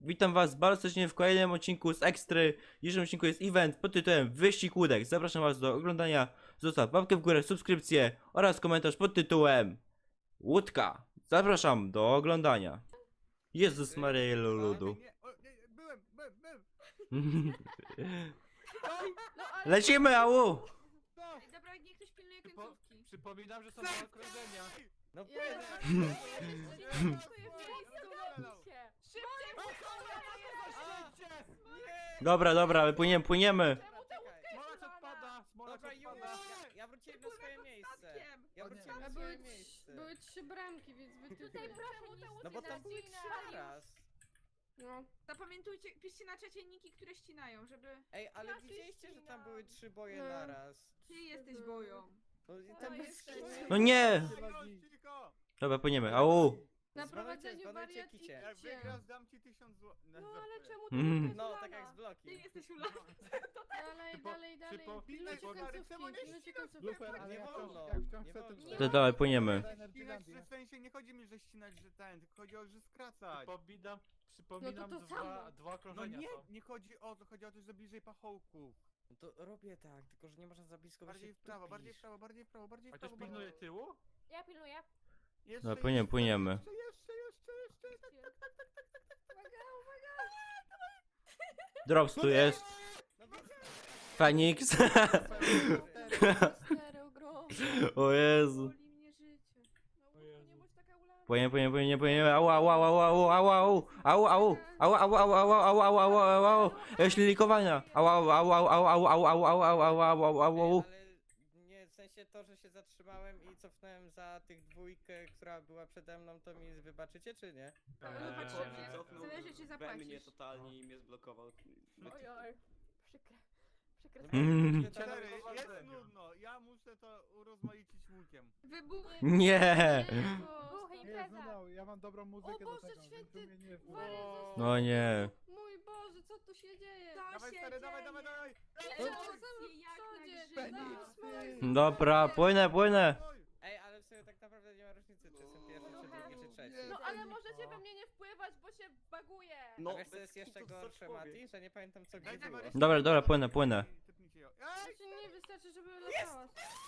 Witam was bardzo serdecznie w kolejnym odcinku z Ekstry. W dzisiejszym odcinku jest event pod tytułem Wyścig Łódek. Zapraszam was do oglądania. Zostaw łapkę w górę, subskrypcję oraz komentarz pod tytułem Łódka. Zapraszam do oglądania. Jezus Maria ludu. Byłem. Lecimy, au! No, Dobra, niech ktoś pilnuje końcówki. Przypominam, że są dwa okrążenia. no Dobra, płyniemy. Smolak odpada, smolak Dobra, już! odpada. Ja wróciłem na swoje miejsce. Statkiem. Ja O nie. wróciłem A na swoje miejsce. były 3 bramki, więc wy Tutaj proszę nie No bo tam były 3 naraz. No. Zapamiętujcie, piszcie na czacie niki, które ścinają, żeby... Ej, ale widzieliście, że tam były 3 boje No. naraz? Ty jesteś boją. No i tam jest jest fajnie. No nie! Dobra, płyniemy, au! Na Zbanujcie, prowadzeniu zbanujcie wariat i kicie. Jak kicie. wygrasz, dam ci 1000 zł. No ale czemu to Mm. jest No, ulana? tak jak z Ty bloki. jesteś ulana. Dalej. Pilnujcie końcówki, pilnujcie końcówki. Lufer, ale nie jak wolno. chcą- Jak nie chcą wolno. chcę To dawaj, płyniemy. ścinać, że w sensie nie chodzi mi, że ścinać, że ten, tylko chodzi o, że skracać. Przypominam, No to samo. dwa No okrążenia nie, są. nie chodzi o to, chodzi o to, że bliżej pachołków. No to robię tak, tylko że nie można za blisko, bo Bardziej się w prawo, bardziej w tupisz. prawo, bardziej w prawo, bardziej w A ktoś prawo. pilnuje tyłu? Ja pilnuję. Jeszcze, No, płyniemy. Drops tu jest. No więc... Fenix. Stereo, gro. O Jezu. Boli mnie życie. No, O Jezu. nie bądź taka ulana. Płyniemy. Au. Ślilikowania. Au. Ale nie, w sensie to, że się zatrzymałem i cofnąłem za tych dwójkę, która była przede mną, to mi wybaczycie, czy nie? Patrzymy. Zależy, czy we zapłacisz. mnie totalnie i mnie zblokował. Ojoj. Przykre. Mm. Cztery, jest nudno, ja muszę to urozmaicić łukiem. Wybuch. Nie. Impreza. Ja mam dobrą O muzykę do Boże tego, więc święty. mnie nie wkurz. Wariat został. No nie. Mój Boże, co tu się dzieje? To Dawaj się stary, dawaj. dzieje. Emocje Jak na przodzie. grzybach. Dobra, płynę. Ej, ale w sumie tak naprawdę nie ma różnicy, czy jestem pierwszy, czy drugi, czy trzeci. No ale możecie we mnie nie wpływać, bo się baguje. No, wiesz co bez jest jeszcze kitu, co gorsze, człowiek. Mati? Że nie pamiętam co gdzie Dajcie było. Marysi- Dobra, płynę. Typnijcie ją. Znaczy nie wystarczy, żeby latałaś.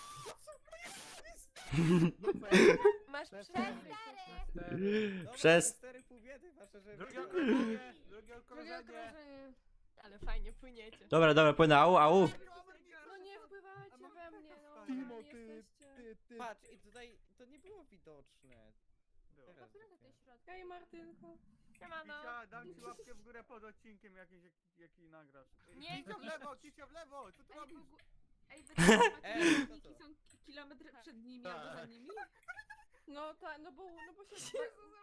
Masz przerwy. Dobra, Przez- 4,5 biedy, wasze, że... Drugie okrążenie! Drugie Drugie okrążenie! okrążenie. Ale fajnie płyniecie. Dobra, płynę, au. No nie wpływajcie we mnie, no. Timo, nie ty, jesteście. ty. Patrz, i tutaj to nie było widoczne. Teraz dopiero. Hej Martynko. Siemano. Kicia, dam ci łapkę w górę pod odcinkiem jaki nagrasz. Nie, Kicia w lewo, co ty Ej, robisz? Ej, wy tam macie Ej, niki, co to? są kilometr przed nimi albo za nimi? No tak, no bo się...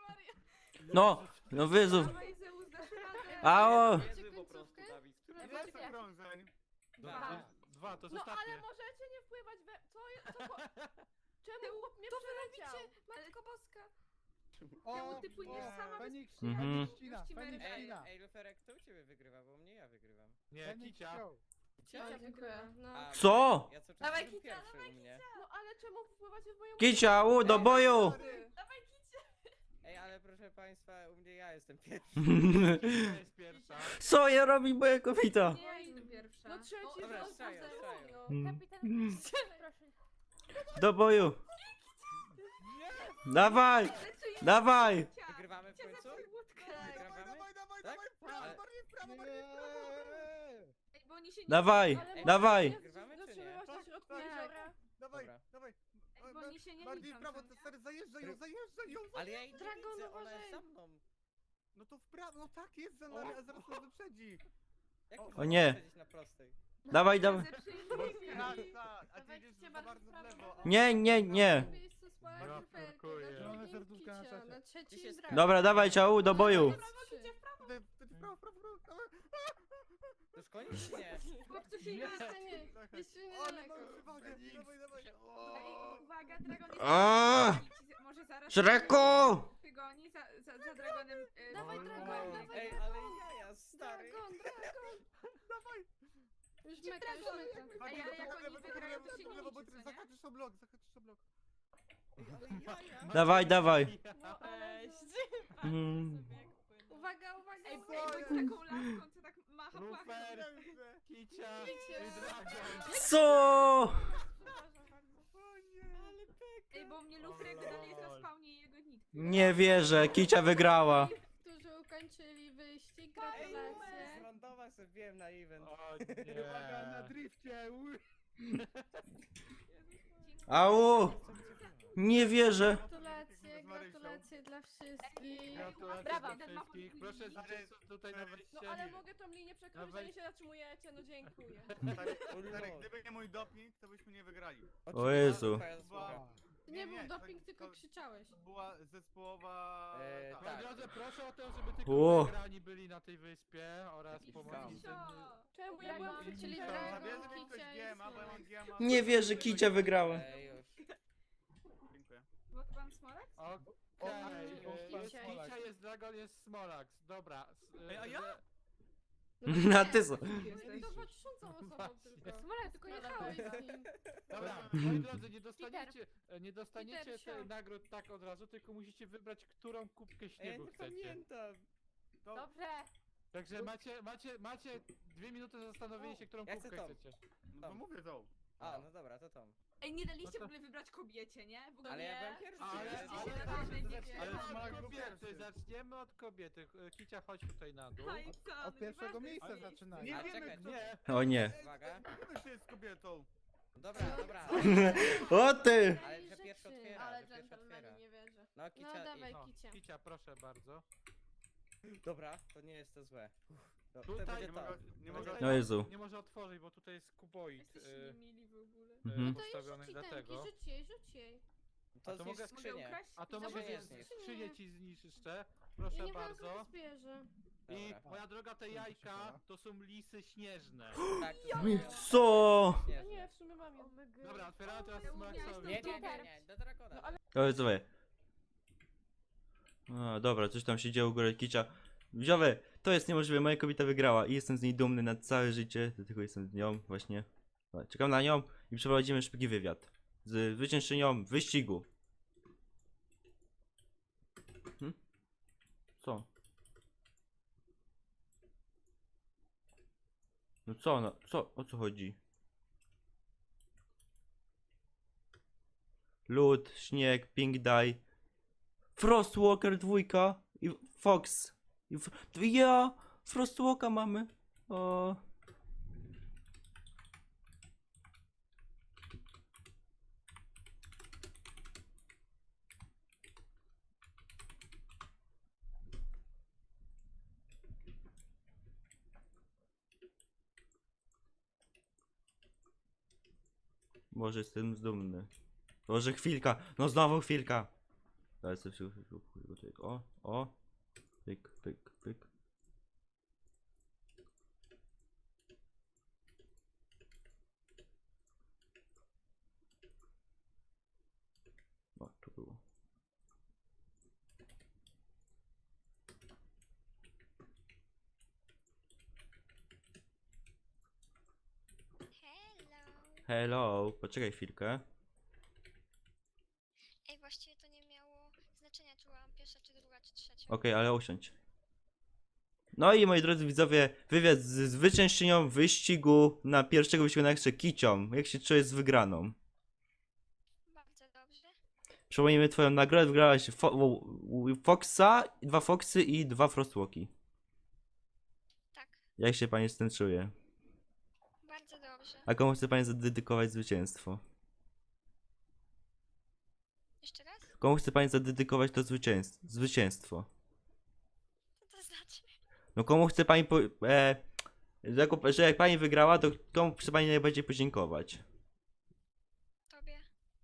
No wyzów. Dawaj, Zeus, dasz radę. Au. Niezły po prostu, Dawid. Ile jest okrążeń? Dwa, to jest No ostatnie. ale możecie nie wpływać we... Czemu chłop mnie przeleciał? Matko Boska. O, ty płyniesz sama bez Feniks, Mhm. Feniks ścina, Puści Feniks Merwę. Ej, ścina. ej, Luferek, kto u ciebie wygrywa? Bo mnie ja wygrywam. Nie, Feniks kicia. show. Ja dziękuję. No. A, Co? Ja co czas Dawaj, jestem Kicia, pierwszy u mnie. No ale czemu wpływacie w moją... Kicia, au, do boju. Ej, ale proszę państwa, u mnie ja jestem pierwszy. Kicia jest pierwsza. Co ja robi moja kobieta? Nie, ja idę pierwsza. No trzeci Dobra, raz strzelają, za strzelają. no. Kapitan, proszę. Do boju. Dawaj. Wygrywamy w końcu? Wygrywamy? Tak? Ale... Ej, bo oni się nie... Dawaj. Wygrywamy czy nie? Zatrzymywaś na środku Tak. jeziora. Dawaj. Ej, bo oni się nie Bardziej liczą, w prawo, co nie? stary, zajeżdżaj ją. Ale ja jej nie Dragon, widzę, ona jest uważaj. za mną. No to w prawo, no tak jest za nami, a zaraz nas wyprzedzi. Jak O można nie. wyprzedzić na prostej? Dawaj. Tak, a ty idziesz za bardzo w lewo. Nie. Miejsce spalać Ja luferkę, parkuję. na Zielone drugim serduszka na kicia, czacie. na Dzisiaj trzecim jest- dragon. Dobra, dawaj, ciao, do boju. W prawo, dawaj. To już koniec czy nie? Chłopcu się nie... Jeszcze nie, jeszcze Ale niedaleko. mam przewagę, dawaj. Ej, uwaga, dragon jest... A! Może zaraz... Szreku! Wygoni za dragonem... Dawaj dragon, dawaj Ej, dragon. ale jaja, stary. Dragon. Dawaj. Już meka, już meka. Bardziej ale jak do oni lewo, wygrają, to się nie lewo, bo liczy, ty co nie? zahaczysz o blok. Ej, ale jaja. Dawaj. No ale... Cześć. Mm. Uwaga, uwaga, Ej, uwaga. Bądź taką laską, co tak macha płachą. Lufer, Kicia i Dragon. Co? Przepraszam bardzo. Ale pek. Ej, bo mnie Lufrego dalej jest na spawnie i jego nikt. Nie wierzę, Kicia wygrała. Którzy ukończyli wyścig, Ej, gratulacje. z randowa sobie wbiłem na event. O Uwaga, na nie. drifcie! Au! Nie wierzę. Gratulacje, gratulacje dla wszystkich. Gratulacje Brawa. dla wszystkich. Proszę zwycięzców tutaj na wejście. No ale mogę tą linię przekroczyć, a nie się zatrzymujecie, no dziękuję. Stary, gdyby nie mój doping, to byśmy nie wygrali. O Jezu. Twoja zasługa. To nie był to- doping, tylko to- krzyczałeś. To była zespołowa... Tak. Moi drodzy, proszę o to, żeby O. tylko wygrani byli na tej wyspie oraz pomocnicy. Czemu ja byłam Czyli czyli zabierze Dragon, mi ktoś Kicia i GMA, bo ja mam Smolak. GMA. Nie wierzę, Kicia wygrała. Ej, już. Dziękuję. Bo to pan Smolek? Okej, jest Kicia. Kicia, jest Dragon, jest Smolax. Dobra. Ej, a ja? A ty co? Jesteś to patrzącą osobą tylko. Smolak, Tylko jechałeś z nim. Dobra, moi drodzy, nie dostaniecie Peter, tych nagród tak od razu, tylko musicie wybrać, którą kubkę Ej, ja śniegu nie chcecie. pamiętam. To... Dobrze. Także macie 2 minuty na zastanowienie się, którą Ja chcę kubkę tą. chcecie. No to mówię to. A, no dobra, to Tom. Ej, nie daliście No to- w ogóle wybrać kobiecie, nie? W ogóle Ale ja nie. byłem pierwszy. Ale- ja ale- się ale- tak ale- zaczniemy ale od Smolak był kobiety. Kobiety, zaczniemy od kobiety. Kicia, chodź tutaj na dół. No i co? Od No pierwszego nieważne, miejsca jest zaczynamy. Nie A, wiemy, czekaj, kto... Nie, O nie. Uwaga. Kto się jest kobietą? Dobra, dobra. O ty! Ale że pierwszy otwiera, Ale że pierwszy dżentelmeni, otwiera. nie wierzę. No, No Kicia dawaj, no, Kicia. Kicia, proszę bardzo. Dobra, to nie jest to złe. To Tutaj będzie Nie to. mogę, nie mogę... O Jezu. Nie może otworzyć, bo tutaj jest kuboid Jesteście niemili w ogóle. Mhm. To jej postawiony rzuci dlatego. rzuć jej, rzuć jej. To A to zniszcz mogę- Mogę skrzynię. ukraść? A to No mogę może zniszczyć jest. skrzynię ci zniszczę. Ja Proszę nie wiem, jak bardzo. on zbierze. I Dobra. moja droga, te jajka to są lisy śnieżne. Tak, to są Co? No śnieżne. nie, w sumie mam ją. Dobra, otwieramy teraz Ja Smolaksowi. umiałeś Nie, nie, nie, nie, do Drakona. No ale- O Jezu. A, dobra, coś tam się działo u góry Kicia. Wziowe, to jest niemożliwe, moja kobieta wygrała i jestem z niej dumny na całe życie, dlatego jestem z nią właśnie. Dobra, czekam na nią i przeprowadzimy szybki wywiad z zwyciężczynią wyścigu. Co? No co, no, co, o co chodzi? Lód, śnieg, Pink Dye, Frostwalker 2 i Fox. Ja! Frostwalka mamy. O. Może jestem dumny. Może chwilka, no znowu chwilka. Ale sobie o, pyk, pyk, pyk. O, to było. Hello. Hello, poczekaj chwilkę. Ej, właściwie to nie miało znaczenia, czy byłam pierwsza, czy druga, czy trzecia. Okej, ale usiądź. No i moi drodzy widzowie, wywiad z zwyciężczynią wyścigu na pierwszego wyścigu na Ekstrze Kicią. Jak się czujesz z wygraną? Bardzo dobrze. Przypomnijmy twoją nagrodę, wygrałaś Foxa, 2 Foxy i 2 Frostwalki. Tak, Jak się pani z tym czuje? bardzo dobrze. A komu chce pani zadedykować zwycięstwo? Jeszcze raz? Komu chce pani zadedykować to zwycięstwo? Co to znaczy? No komu chce pani że jak pani wygrała, to komu chce pani najbardziej podziękować? Tobie?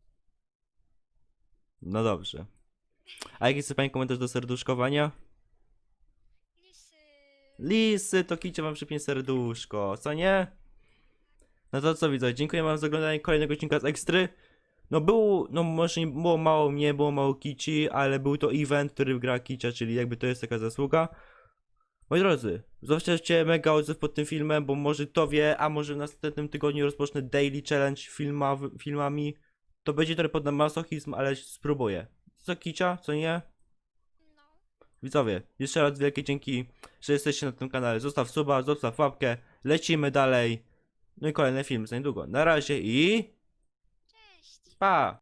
No dobrze. A jaki chce pani komentarz do serduszkowania? Lisy. Lisy, to Kicia wam przypię serduszko, co nie? No to co widzę, dziękuję wam za oglądanie kolejnego odcinka z Ekstry. No był, no może nie było mało mnie, było mało Kici, ale był to event, który wygrała Kicia, czyli jakby to jest taka zasługa. Moi drodzy, zostawcie mega odzew pod tym filmem, bo może to wie, a może w następnym tygodniu rozpocznę daily challenge filmami. To będzie trochę pod masochizm, ale spróbuję. Co Kicia, co nie? No. Widzowie, jeszcze raz wielkie dzięki, że jesteście na tym kanale. Zostaw suba, zostaw łapkę, lecimy dalej. No i kolejny film za niedługo. Na razie i Cześć! pa!